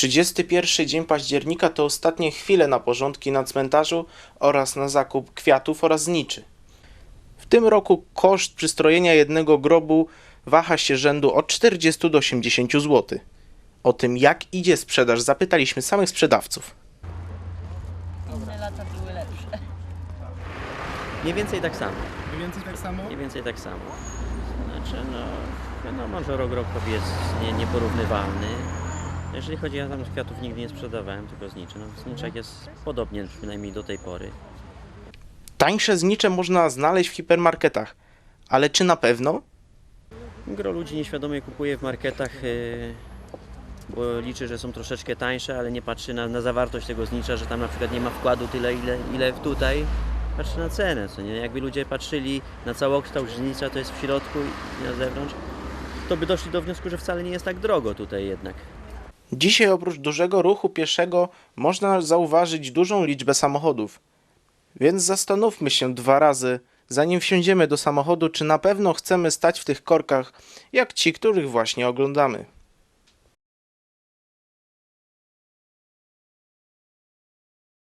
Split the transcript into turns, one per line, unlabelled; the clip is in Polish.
31 dzień października to ostatnie chwile na porządki na cmentarzu oraz na zakup kwiatów oraz zniczy. W tym roku koszt przystrojenia jednego grobu waha się rzędu od 40 do 80 zł. O tym, jak idzie sprzedaż, zapytaliśmy samych sprzedawców.
Inne lata były lepsze.
Mniej więcej tak samo.
Mniej więcej tak samo?
Mniej więcej tak samo. Znaczy, wiadomo, że rok rokowi jest nieporównywalny. Jeżeli chodzi, ja tam kwiatów nigdy nie sprzedawałem, tylko zniczy. Zniczek jest podobnie, przynajmniej do tej pory.
Tańsze znicze można znaleźć w hipermarketach, ale czy na pewno?
Gro ludzi nieświadomie kupuje w marketach, bo liczy, że są troszeczkę tańsze, ale nie patrzy na zawartość tego znicza, że tam na przykład nie ma wkładu tyle, ile tutaj. Patrzy na cenę, co nie? Jakby ludzie patrzyli na całokształt znicza, to jest w środku i na zewnątrz, to by doszli do wniosku, że wcale nie jest tak drogo tutaj jednak.
Dzisiaj oprócz dużego ruchu pieszego można zauważyć dużą liczbę samochodów. Więc zastanówmy się 2 razy, zanim wsiądziemy do samochodu, czy na pewno chcemy stać w tych korkach, jak ci, których właśnie oglądamy.